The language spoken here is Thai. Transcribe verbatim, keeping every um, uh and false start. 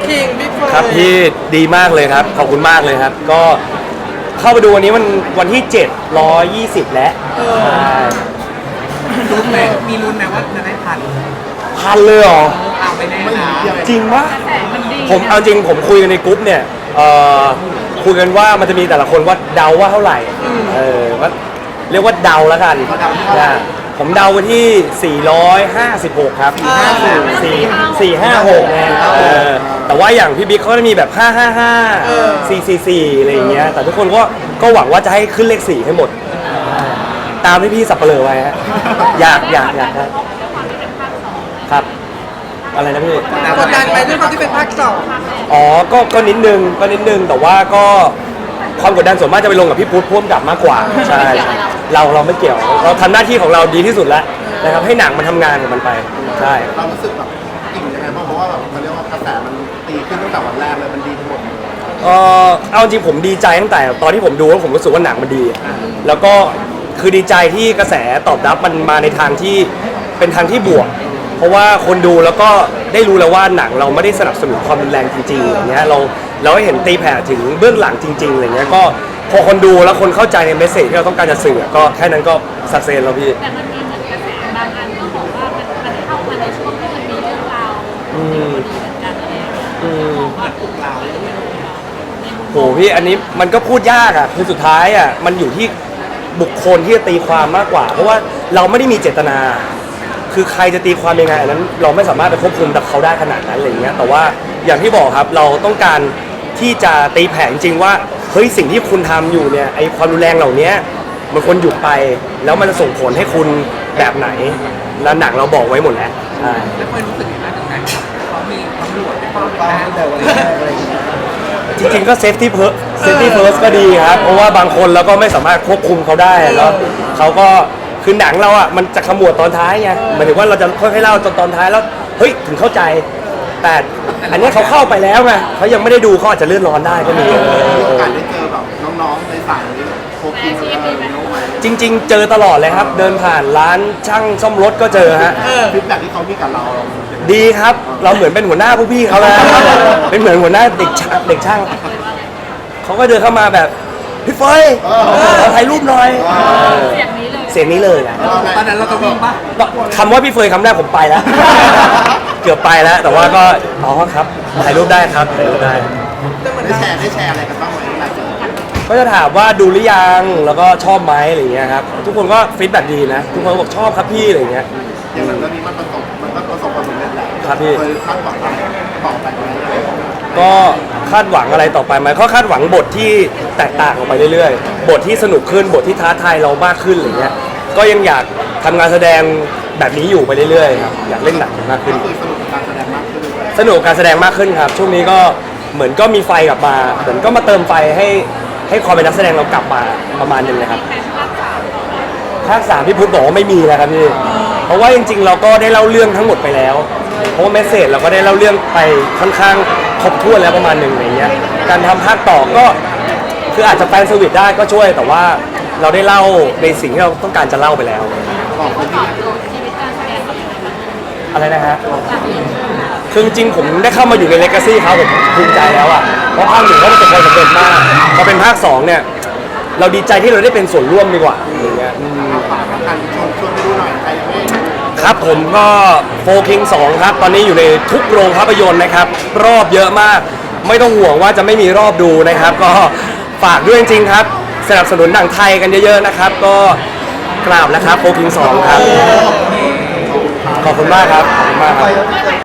คิงบิ๊กเฟิร์นครับพี่ดีมากเลยครับขอบคุณมากเลยครับก็เข้าไปดูวันนี้มันวันที่เจ็ดร้อยยี่สิบแล้วใช่ลุ้นไหมมีลุ้นไหมว่าจะได้พันพันเลยเหรอเอาไปแน่นะจริงปะผมเอาจริงผมคุยกันในกรุ๊ปเนี่ยเอ่อคุยกันว่ามันจะมีแต่ละคนว่าเดาว่าเท่าไหร่เออว่าเรียกว่าเดาแล้วกันนะผมเดาไปที่สี่ร้อยห้าสิบหกครับสี่สี่ห้าหกไงเออแต่ว่าอย่างพี่บิ๊กเขาจะมีแบบห้าห้าห้าสี่สี่สี่อะไรอย่างเงี้ยแต่ทุกคนก็ก็หวังว่าจะให้ขึ้นเลขสี่ให้หมด ตามที่พี่สับเปลือไว้ฮะอยากอยากอยากได้ครับอะไรนะพี่กดดันไปด้วยความที่เป็นภาคสองอ๋อก็ก็นิดนึงก็นิดนึงแต่ว่าก็ความกดดันส่วนมากจะไปลงกับพี่พุทธพ่วงกับมากกว่าใช่เราเราไม่เกี่ยวเราทำหน้าที่ของเราดีที่สุดแล้วนะครับให้หนังมันทำงานของมันไปใช่เรารู้สึกแบบอิ่มยังไงบ้างเพราะว่าแบบมันเรียกว่ากระแสมันตีขึ้นตั้งแต่วันแรกเลยมันดีทั้งหมดเลยเออเอาจริงผมดีใจตั้งแต่ตอนที่ผมดูแล้วผมรู้สึกว่าหนังมันดี แล้วก็คือดีใจที่กระแสตอบรับมันมาในทางที่เป็นทางที่บวก เพราะว่าคนดูแล้วก็ได้รู้แล้วว่าหนังเราไม่ได้สนับสนุนความรุนแรงจริงๆอย่างเงี้ยเราเราให้เห็นตีแผ่ถึงเบื้องหลังจริงๆอะไรเงี้ยก็พอคนดูแล้วคนเข้าใจในเมสเซจที่เราต้องการจะสื่อก็แค่นั้นก็สักเซนแล้วพี่แต่มันมีเหมือนกระแสบางอันก็บอกว่ามันมันเข้ามาในช่วงที่มันมีเรื่องราวอืมดีเหมือนกันอะไรอย่างเงี้ยอืมบอกว่าปลุกเราโหพี่อันนี้มันก็พูดยากอ่ะคือสุดท้ายอ่ะมันอยู่ที่บุคคลที่จะตีความมากกว่า เพราะว่าเราไม่ได้มีเจตนา คือใครจะตีความยังไงอันนั้นเราไม่สามารถไปควบคุมกับเขาได้ขนาดนั้นอะไรเงี้ยแต่ว่าอย่างที่บอกครับเราต้องการที่จะตีแผ่จริงๆว่าเฮ้ยสิ่งที่คุณทำอยู่เนี่ยไอความรุนแรงเหล่านี้มันควรหยุดไป แล้วมันจะส่งผลให้คุณแบบไหนแล้วหนังเราบอกไว้หมดแล้วใช่แล้วเคยรู้สึกยังไงบ้างตั้งแต่เขามีตำรวจไปเฝ้าตอนบ้านตั้งแต่วันแรกอะไรอย่างเงี้ยจริงๆก็เซฟตี้เพิร์เซฟตี้เพิร์สก็ดีครับเพราะว่าบางคนเราก็ไม่สามารถควบคุมเขาได้แล้วเขาก็คือหนังเราอ่ะมันจะขมวดตอนท้ายไงหมายถึงว่าเราจะค่อยๆเล่าจนตอนท้ายแล้วเฮ้ยถึงเข้าใจ แต่อันนี้เขาเข้าไปแล้วไงเขายังไม่ได้ดูเขาอาจจะเลื่อนร้อนได้ก็มีมีโอกาสได้เจอแบบน้องๆในสายโคกินอะไรอย่างเงี้ยไหมจริง ๆ เจอตลอดเลยครับ เดินผ่านร้านช่างซ่อมรถก็เจอฮะฟีดแบ็กที่เขามีกับเราดีครับ เราเหมือนเป็นหัวหน้าผู้พี่เขาแล้วเป็นเหมือนหัวหน้าเด็กช่างเด็กช่างเขาก็เดินเข้ามาแบบพี่เฟยขอถ่ายรูปหน่อยเสียงนี้เลยเสียงนี้เลยนะตอนนั้นเราก็วิ่งปะคำว่าพี่เฟยคำแรกผมไปแล้ว เกือบไปแล้ว แต่ว่าก็อ๋อครับถ่ายรูปได้ครับถ่ายรูปได้ได้แชร์ได้แชร์อะไรกันบ้างไหมหลังจากนั้นก็จะถามว่าดูหรือยังแล้วก็ชอบไหมอะไรอย่างเงี้ยครับทุกคนก็ฟีดแบ็กดีนะทุกคนบอกชอบครับพี่อะไรอย่างเงี้ยอย่างนั้นเรื่องนี้มันประสบมันก็ประสบความสำเร็จแหละครับพี่เคยคาดหวังอะไรต่อไปไหมก็คาดหวังอะไรต่อไปไหมก็คาดหวังบทที่แตกต่างออกไปเรื่อยๆ บทที่สนุกขึ้นบทที่ท้าทายเรามากขึ้นอะไรเงี้ยก็ยังอยากทำงานแสดงแบบนี้อยู่ไปเรื่อยๆครับอยากเล่นหนังมากขึ้นก็คือสนุกกับการแสดงมากขึ้นด้วยสนุกกับการแสดงมากขึ้นครับ ช่วงนี้ก็เหมือนก็มีไฟกลับมาเหมือนก็มาเติมไฟให้ให้ความเป็นนักแสดงเรากลับมาประมาณหนึงเลยครับแฟนภาคสามภาคสามพี่พุทธบอกว่าไม่มีแล้วครับพี่เพราะว่าจริงๆ เราก็ได้เล่าเรื่องทั้งหมดไปแล้ว เพราะว่าเมสเซจเราก็ได้เล่าเรื่องไปค่อนข้างครบถ้วนแล้วประมาณหนึ่งอะไรเงี้ยการทำภาคต่อก็คืออาจจะแฟนเซอร์วิสได้ก็ช่วย แต่ว่าเราได้เล่าในสิ่งที่เราต้องการจะเล่าไปแล้วบอกคนตที่อบโจทย์ชีวิตการแสดงของเราอะไรนะฮะจากเรื่องคือจริงๆผมได้เข้ามาอยู่ในเลกาซี่เขาผมภูมิใจแล้วอ่ะเพราะภาคหนึ่งเขาประสบความสำเร็จมากพอเป็นภาคสองเนี่ยเราดีใจที่เราได้เป็นส่วนร่วมดีกว่าอย่างเงี้ยอืมฝากประกันชวนชวนไปดูหน่อยใครยังไม่ครับผมก็โฟคิงสองครับตอนนี้อยู่ในทุกโรงภาพยนตร์นะครับรอบเยอะมากไม่ต้องห่วงว่าจะไม่มีรอบดูนะครับ ก็ฝากด้วยจริงๆครับสนับสนุนหนังไทยกันเยอะๆนะครับ ก็กราบแล้วครับโฟคิงสองครับขอบคุณมากครับขอบคุณมากครับ